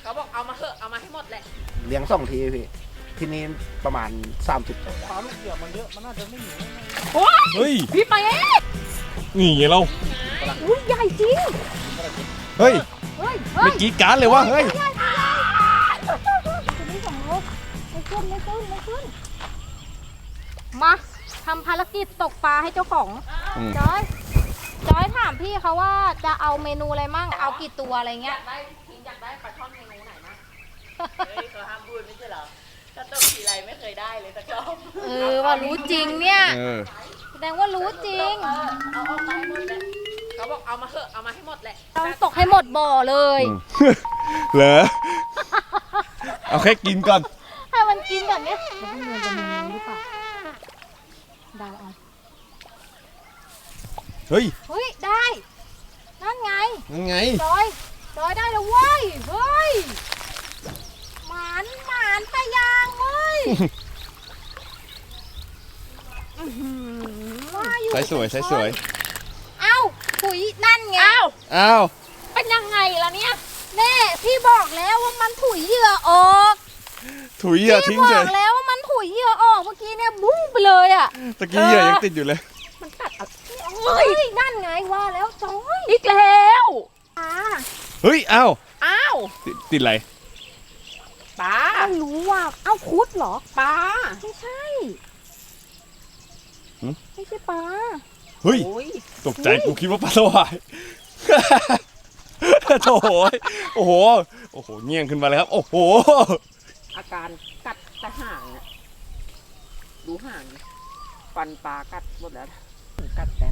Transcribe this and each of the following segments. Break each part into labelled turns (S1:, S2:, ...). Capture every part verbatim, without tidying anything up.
S1: เขาบอกเอามาเถอะเอามาให้หมดแหละ
S2: เลี้ยงสองทีพี่ที่นี่ประมาณสามสิบตัว
S3: ปลาลูกเหยื่อมันเยอะมันน่าจะไม่หนี
S4: เฮ้ย
S1: พี่ไปเอ๊ะ
S4: นี่ไงเรา
S1: อุ้ยใหญ่จริง
S4: เฮ้ย
S1: เฮ้ยเฮ้
S4: ไม่
S1: ย
S4: กี้การ์ดเลยวะเฮ้ย
S1: ตัวนี้สองโลไม่ขึ้นไม่ขึ้นไม่ขึ้นมาทำภารกิจตกปลาให้เจ้าของ
S4: อืม
S1: จอยจอยถามพี่เขาว่าจะเอาเมนูอะไรมั่งเอากี่ตัวอะไรเงี้ย
S5: ได้ทีมอยากได้ปลาช่อนเมนูไหนมั้งเฮ้ยเขาห้ามพูดไม่ใช่เหรอถ้าตกทีไรไม่เคยได้เลยสักรอบ
S1: เออว่ารู้จริงเนี่ย
S4: เออ
S1: แสดงว่ารู้จริง
S5: เออเอาออกมาให้หมดเลยเขาบอกเอามาเถอะเอามาให้หมดแหละ
S1: ต้องตกให้หมดบ่อเลย
S4: อืม เหรอเอาแค่กินก่อน
S1: ให้มันกินแบบเนี้ยแล้วก็เงินจะมีเงินหรือเปล่าเดาเอา
S4: เฮ้ย
S1: เฮ้ยได้นั่นไง
S4: ยังไง
S1: จอยจอยได้แล้วเว้ยเฮ้ยหมานหมานปลายางเว้ยอื้อหือว่าอยู่
S4: ใส่สวยใส่สวย
S1: เอ้าถุยนั่นไง
S5: อ้าว
S4: อ้าว
S5: เป็นยังไงล่ะเนี่ย
S1: แน่พี่บอกแล้วว่ามันถุยเหยื่อออก
S4: ถุยเหยื่อทิ้
S1: พี่
S4: ง
S1: บ
S4: เฉ
S1: อย กแล้วว่ามันถุยเหยื่อออกเมื่อกี้เนี่ยบุ้งไปเลยอ่ะ
S4: ตะกี้เหยื่อยังติดอยู่เลย
S5: มันกัดเอา
S1: เฮ้ยนั่นไงว่าแล้วจอย
S5: อีกแล้ว
S1: อ่า
S4: เฮ้ยอ้าว
S5: อ้าว
S4: ติดติดอะไร
S5: ปลา
S1: ไม่รู้ว่าเอ้าคุดเหรอ
S5: ปลา
S1: ไม่ใช่
S4: หึ
S1: ไม่ใช่ปลา
S4: เฮ้ย
S5: โอ้ย
S4: ตกใจกูคิดว่าปลาสวาย โถ่โอ้โห โอ้โห เงี้ยงขึ้นมาเลยครับ โอ้โห
S5: อาการกัดแต่ห่างอะดูห่างดิฟันปลากัดหมดแล้วกัดแต่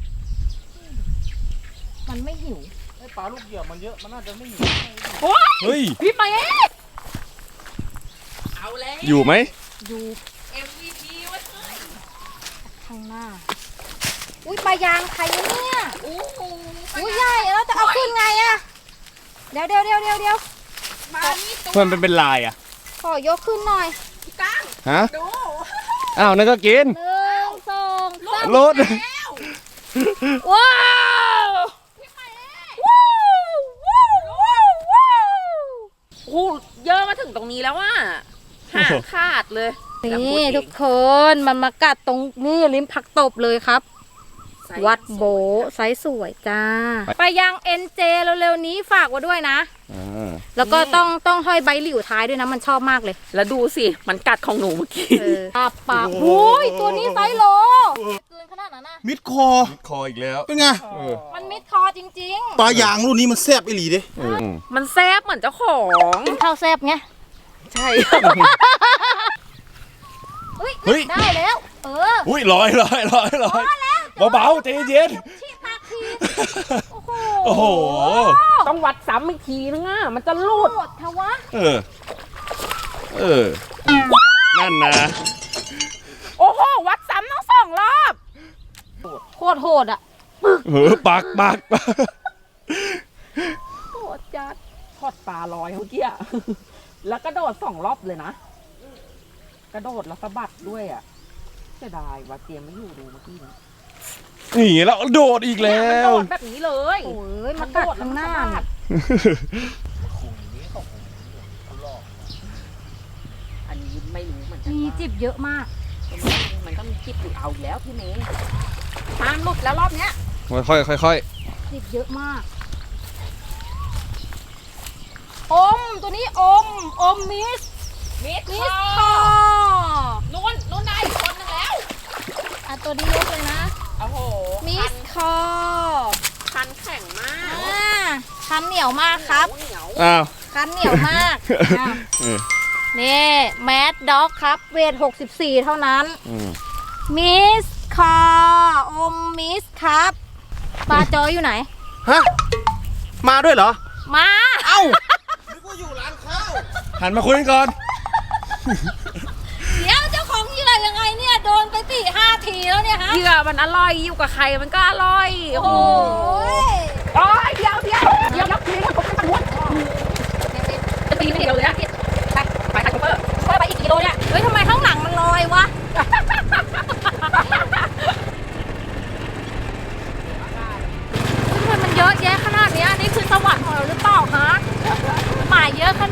S1: มันไม่หิว
S3: ไอ้ปลาลูกเหยื่อมันเยอะมันน่าจะไม่หนี
S4: เฮ้ย
S5: พี่ไปเอ๊ะเอาแล้ว
S4: อยู่ไหม
S1: อยู่
S5: เอ็ม วี พี ไว้เลย
S1: ข้างหน้า อุ้ยปลายางใครวะเนี่ย
S5: โอ้โห
S1: อุ้ยใหญ่แล้วจะเอาขึ้นไงอะเดี๋ยวเดี๋ยวเดี๋ยวเดี๋ยวเดี๋ยว
S5: ปลานี่ตัว
S4: เพื่อนเป็นเป็นลายอ่ะ
S1: ขอยกขึ้นหน่อย
S5: ก้าง
S4: ฮะ
S5: ดู
S4: อ้าวนั่นก็กิน
S1: หนึ่งสองสาม
S4: รถ
S5: แล้ว
S1: ว้าวว้าวว้าวว้าวว้าว
S5: โอ้โหเยอะมาถึงตรงนี้แล้วว่าหางขาดเลย
S1: นี่ทุกคนมันมากัดตรงนี่ริมผักตบเลยครับ วัดโบไซส์สวยจ้า ไปยังเอ็นเจเร็วๆนี้ฝากไว้ด้วยนะ
S4: อ่า
S1: แล้วก็ต้องต้องห้อยใบหลิวท้ายด้วยนะมันชอบมากเลย
S5: แล้วดูสิ มันกัดของหนูเมื่อกี้
S1: เออปากปากโอ้ยตัวนี้ไซส์โลเกินขนาดนั้นนะ
S3: มิดคอ
S4: คออีกแล้ว
S3: เป็นไง
S4: เออ
S1: มันมิดคอจริง
S3: ปลายางรุ่นนี้มันแซ่บอีหลีเด้
S4: เออ
S5: มันแซบเหมือนเจ้าของ
S1: ๆข้าวแซบไง
S5: ใช่
S1: เฮ้ย
S4: เฮ้ย
S1: ได้แล้ว เออ
S4: อุ้ยลอยลอยลอยลอยเบาๆใจเย็น
S1: ชีปากทีโอ้โห
S4: โอ้โห
S5: ต้องวัดซ้ำอีกทีนึงอ่ะ มันจะรูด
S1: โหดทวะ
S4: เออ เออ นั่นนะ
S5: โอ้โห วัดซ้ำต้องสองรอบ
S1: โคตรโหดอ่ะ
S4: เออปากปากปาก
S5: โหดจัดทอดปลาลอยเมื่อกี้อะ แล้วกระโดดสองรอบเลยนะ กระโดดแล้วสะบัดด้วยอ่ะเสียดายว่าเตรียมไม่อยู่ดูเมื่อกี้นะ
S4: นี่แล้วโดดอีกแล้ว
S5: มันโดดแบบนี้เลย
S1: โอ้ยมันกัดข้างหน้า
S5: มั
S1: เนี่ย
S5: ดอันนี้ไม่รู้เหมือนกัน
S1: มี
S5: ว่า
S1: จิบเยอะมาก
S5: มันก็มีจิบอยู่เอาอีกแล้วพี่เมย์ตามหลุดแล้วรอบเนี้ย
S4: ค่อยค่อยค่อย
S1: จิบเยอะมาก อมตัวนี้อม อมมิส
S5: มิด
S1: มิส
S5: ค
S1: ค
S5: อ
S1: อ
S5: นู่นนู่นได้อีกคนนึงแล้ว
S1: อ่ะตัวนี้ยกเลยนะ
S5: โอ้โห
S1: มิสคอ
S5: คันแข็งมาก
S1: อ่าคันเหนียวมากครับ
S5: เหนียว
S4: อ้าว
S1: คันเหนียวมากอ่ะ
S4: เออ
S1: นี่แมดด็อกครับ เวทหกสิบสี่เท่านั้น
S4: อืม
S1: มิสคออมมิสครับปลาจอยอยู่ไหน
S3: ฮะ มาด้วยเหรอ
S1: มา
S3: เอ้านึกว่าอยู่ร้านข้าว
S4: หันมาคุยกันก่อน
S1: เดี๋ยวเจ้าของเหยื่อยังไงเนี่ย โดนไปสี่ห้าทีแล้วเนี่ยฮะ
S5: เหยื่อมันอร่อยอยู่กับใครมันก็อร่อย โอ้
S1: โอ้
S5: โห
S1: ย
S5: โอ้ยเดี๋ยวเดี๋ยวเดี๋ยวรับทีนี้ผมจะม้วนจะตีไม่เดียวเลยนะไปไปไปเปอร์ช่วยไปอีกกิโลเนี่ย
S1: เฮ้ยทำไมข้างหลังมันลอยวะ ทำไมมันเยอะแยะขนาดเนี้ยนี่คือสวรรค์ของเราหรือเปล่าฮะหมายเยอะข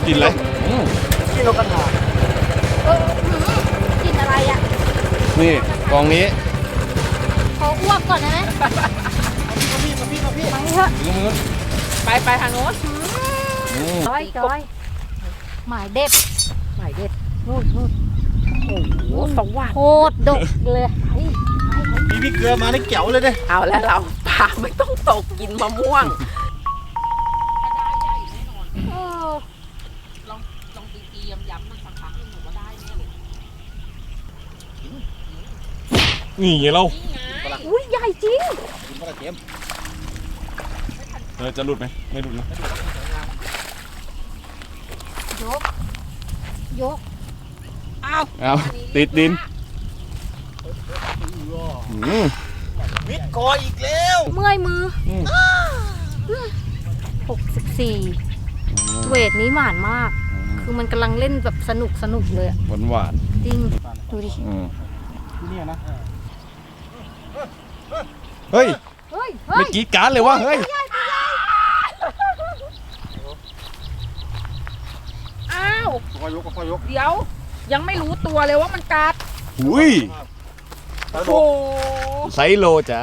S4: กินอะไรอืม
S2: ที่นกกระทา
S1: เออหือกินอะไรอ่ะ
S4: นี่กองนี้
S1: ขออ้วกก่อนได้ไหม
S2: พี่มาพี่มาพี่
S1: ไปเถอะ
S4: ถึงมือ
S5: ไปไปทางโน้น
S4: อืม
S1: จอยจอยหมายเด็ด
S5: หมายเด็ด
S1: นู่นนู่น
S5: โอ้โหสวัสด
S1: โคตรดกเลยไอ้
S3: มีพี่เกลือมาได้เก๋วเลยเด้
S5: เอาแล้วเราปลาไม่ต้องตกกินมะม่วง
S1: เออ
S5: ลองลองตีตีย้ำย้ำมันสักพักหนึงหนูว่าได้แน่เลย
S4: นี่ไงเรา
S1: อุ้ยใหญ่จริง
S3: กินปลาเค็ม
S4: เออจะหลุดไหมไม่หลุดนะ
S1: ยก ยก
S4: เอาติดดินอืม
S3: มิดคออีกแล้ว
S1: เมื่อยมืออ
S4: ม
S1: หกสิบสี่เวทนี้หมานมาก คือมันกำลังเล่นแบบสนุกสนุกเลยอะ
S4: หวานหวาน
S1: จริง ดูดิ
S4: ๆอืม
S2: ที่เนี่ยนะ
S4: เฮ้ย
S1: เฮ้ย เฮ้
S4: ไม่
S1: ย
S4: กรีดการ์ดเลยวะเฮ้ย
S5: อ้าว
S3: คอยยกคอยยก
S5: เดี๋ยว ยังไม่รู้ตัวเลยว่ามันกัด
S4: หุย
S5: โอ้โห
S4: ไซโลจ้า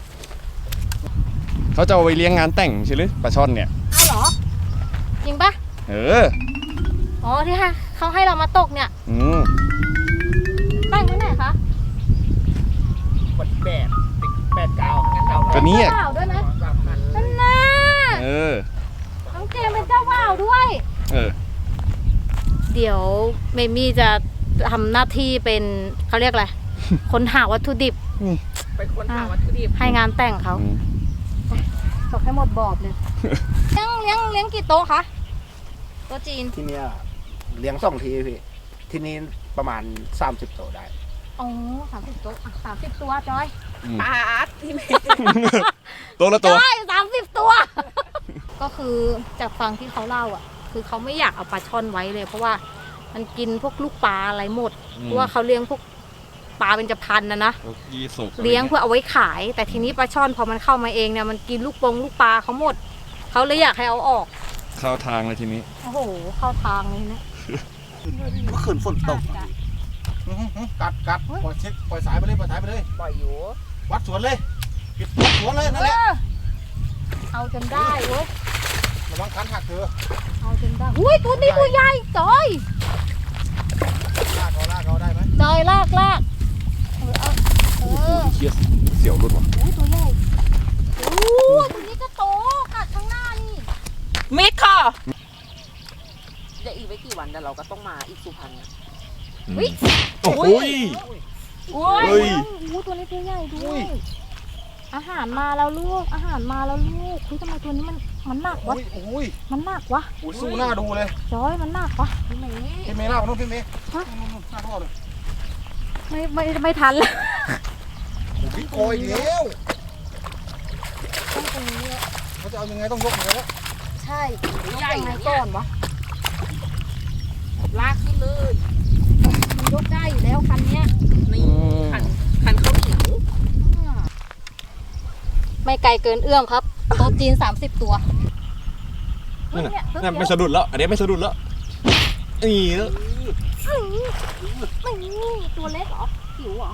S4: เขาจะเอาไปเลี้ยงงานแต่งใช่หรือปลาช่อนเนี่ย
S1: อ้าวเหรอ จริงปะ
S4: เออ
S1: อ๋อ ที่ให้เขาให้เรามาตกเนี่ย
S4: อืม
S1: ตั้งไว้ไหนคะ
S2: วันที่แปดติดแปดเก้างั้นเก้า
S4: ก็เนี้ย
S1: เจ้าบ่าวด้วยนะนั่นน่ะ
S4: เออ
S1: น้องเจมเป็นเจ้าบ่าวด้วย
S4: เออ
S1: เดี๋ยวเมมี่จะทำหน้าที่เป็นเขาเรียกอะไร คนหาวัตถุดิบ
S5: เป็นคนหาวัตถุดิบ
S1: ให้งานแต่งเขา
S4: อืม
S1: ตกให้หมดบอบเลย เลี้ยงเลี้ยงเลี้ยงกี่โต๊ะคะโต๊ะจีน
S2: ที่เนี่ยเลี้ยงสองทีพี่ ที่นี่ประมาณสามสิบโตได้
S1: อ๋อสามสิบโต๊ะอ่ะสามสิบตัวจอย
S5: ปลาที่เม
S4: ตัวละตัว
S1: จอยสามสิบตัว ก็คือจากฟังที่เขาเล่าอ่ะ คือเขาไม่อยากเอาปลาช่อนไว้เลย เพราะว่ามันกินพวกลูกปลาอะไรหมด
S4: อืม
S1: เพราะว่าเขาเลี้ยงพวกปลาเป็นจะพันนะนะ
S4: ยี่สุก
S1: เลี้ยงเพื่อเอาไว้ขาย แต่ทีนี้ปลาช่อนพอมันเข้ามาเองเนี่ยมันกินลูกปงลูกปลาเขาหมด เขาเลยอยากให้เอาออก
S4: เข้าทางเลยทีนี้
S1: โอ้โห เข้าทางเลยนะ
S3: เมื่อคืนฝนตกกัดกัดปล่อยเช็คปล่อยสายไปเลยปล่อยสายไปเลย
S5: ปล่อยอยู่
S3: วัดสวนเลยปิดวัดสวนเลยนั่นแหละ
S1: เออเอาจนได้เว้ย
S3: ระวังคันหักเธอ
S1: เอาจนได้อุ้ยตัวนี้ตัวใหญ่จอย
S3: ลากเขาลากเขาได้ไหม
S1: จอยลากลากเออเอาเออ
S4: เชียเสียวรุดว่ะ
S1: อุ้ยตัวใหญ่โอ้ตัวนี้ก็โตกัดข้างหน้านี่
S5: มิดค่ะจะอีกไม่กี่วันแต่เราก็ต้องมาอีกสุพรรณนะ
S1: วิ
S4: โอ้โหย
S1: โอ้ย
S4: เฮ้ย
S1: โอ้ตัวนี้ตัวใหญ่ด้วยอาหารมาแล้วลูกอาหารมาแล้วลูกคุยทำไมตัวนี้มันมันหนักวะ
S3: อุ้ยอุ้ย
S1: มันหนักวะ
S3: อุ้ยสู้หน้าดูเลย
S1: จอยมันหนักวะ
S5: พี่เมย์
S3: พี่เมย์ลากไปนู่นพี่เมย์
S1: ฮะ
S3: นู่นนู่นหน้าท่อเลย
S1: ไม่ไม่ไม่ทันแล้ว
S3: โอ้พี่โกยอีกแล้ว
S1: ต้องตรงนี้แล้ว
S3: เขาจะเอายังไงต้องยกมือแล้ว
S1: ใช่ต้องยังไงก่อนวะ
S5: ลากขึ้นเลย
S1: มันยกได้อยู่แล้วคันเนี้ย
S5: นี่ขันขันข้าวเหนียว
S1: ไม่ไกลเกินเอื้อมครับโต๊ะจีนสามสิบตัว
S4: นั่นน่ะ
S1: เย
S4: นั่นไม่สะดุดแล้ว อันนี้ไม่สะดุดแล้วนี่แล้ว
S1: ไม่ตัวเล็กเหรอหิวเหรอ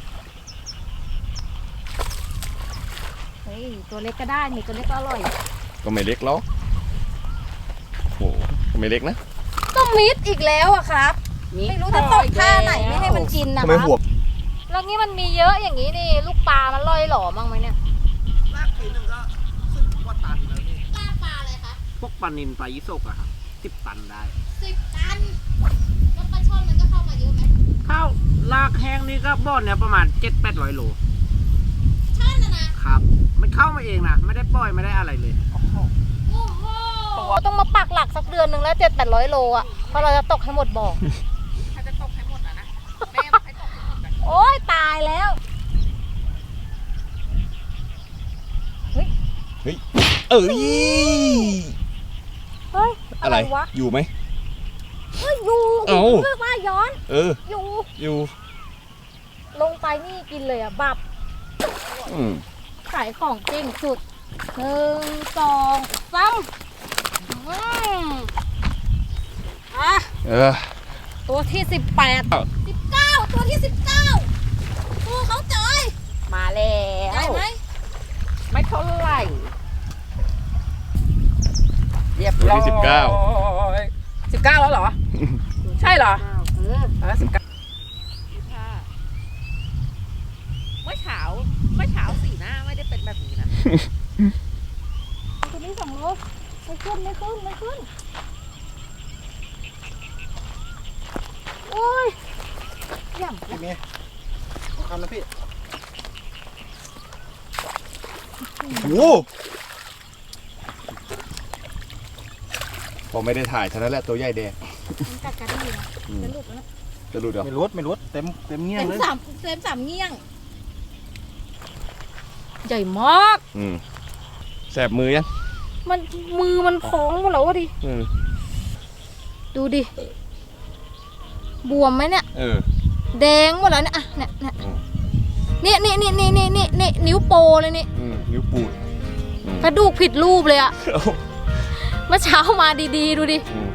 S1: เฮ้ยตัวเล็กก็ได้นี่ตัวเล็กก็อร่อย
S4: ก็ไม่เล็กแล้วโอ้โหก็ไม่เล็กนะ
S1: ก็มิดอีกแล้วอะครับ ไม่รู้จะตกท่าไหนไม่ให้มันกินนะค
S4: ทำไม
S1: รับ
S4: หัว
S1: แล้วงี้มันมีเยอะอย่างนี้นี่ลูกปลามันลอยหล่อมั้งไหมเนี่ย
S2: ลากทีหนึ่งก็สิบกว่าตันเลยนี่
S1: ปลาปลาอะไรคะ
S2: พวกปลานินปลายิสกอะครับสิบตันได้
S1: สิบตันแล้วปลาช่อนมันก็เข้ามาเยอะไหม
S2: ข้าวลากแห้งนี่ก็บ่อนเนี่ยประมาณเจ็ดแปดร้อยโล
S1: ช่อนนะนะครับ
S2: มันเข้ามาเองนะไม่ได้ปล่อยไม่ได้อะไรเลย
S1: โอ้โหต้องมาปักหลักสักเดือนหนึ่งแล้วเจ็ดแปดร้อยโลอ่ะเพราะเราจะตกให้หมดบ่อ
S5: ถ้าจะตกให้หมดอะนะแม่บอกให้ตกให้หมดกัน
S1: โอ้ยตายแล้ว
S4: เอ้ย
S1: เฮ้ย อะ
S4: อะไร ไร
S1: วะ
S4: อยู่ไหม
S1: เฮ้ยอยู่
S4: เอ้า
S1: เพื่อว่าย้อน
S4: เออ
S1: อยู่
S4: อยู่
S1: ลงไปนี่กินเลยอ่ะบับ
S4: อืม
S1: ขายของจริงสุดหนึ่งสองสามอืม
S4: เออ
S1: ตัวที่สิบแปด สิบเก้า ตัวที่สิบเก้าตัวเขาจอย
S5: มาแล้ว
S1: ได้ไหม
S5: ไม่เท่าไหร่เรียบ
S4: ตัว
S5: ร้อย
S4: ที่สิบเก้า
S5: สิบเก้าแล้วเหรอ ใช่เหรอ
S1: เออ
S5: เออสิบเก้าเมื่อเช้าเมื่อเช้าสีหน้าไม่ได้เป็นแบบนี้นะ
S1: ตัวนี้สองโลไม่ขึ้นไม่ขึ้นไม่ขึ้นโอ้ยย่ำ
S3: พี่เมย์เอาคำนะพี่โอ้
S4: พอไม่ได้ถ่ายเท่านั้นแหละตัวใหญ่แดง
S1: มันกัดกันดีนะจะหลุดแล้วนะ
S4: จะหลุดเหรอ
S3: ไม่รุดไม่รุดเต็มเต็มเงี้ย
S1: เต็ม
S3: เลย
S1: สามเต็มสามเงี้ยง ใหญ่มาก
S4: อืมแสบมือยัง
S1: มันมือมันพองหมดแล้ววะดิ
S4: อืม
S1: ดูดิ บวมไหมเนี่ย
S4: เออ
S1: แดงหมดแล้วเนี่ยอ่ะเนี่ยเนี่ย
S4: อืม
S1: นี่นี่นี่นี่นี่นี่นี่นิ้วโปเลยนี่
S4: อืมนิ้วปูดอืม
S1: กระดูกผิดรูปเลยอะ
S4: เอ้า
S1: เมื่อเช้ามาดีๆ ดูดิ
S4: อืม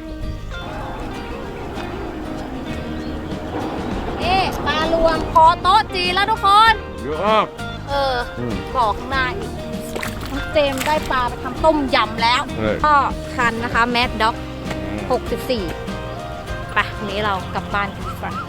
S1: เอ๊ปลารวมคอโต๊ะจีนแล้วทุกคน
S4: เยอะมาก
S1: เออ
S4: อืม
S1: บอกข้างหน้าอีกน้องเจมส์ได้ปลาไปทำต้มยำแล้ว
S4: เออ
S1: ก็คันนะคะแมดด็อก
S4: อืม
S1: หกสิบสี่ไปวันนี้เรากลับบ้านกันดีกว่า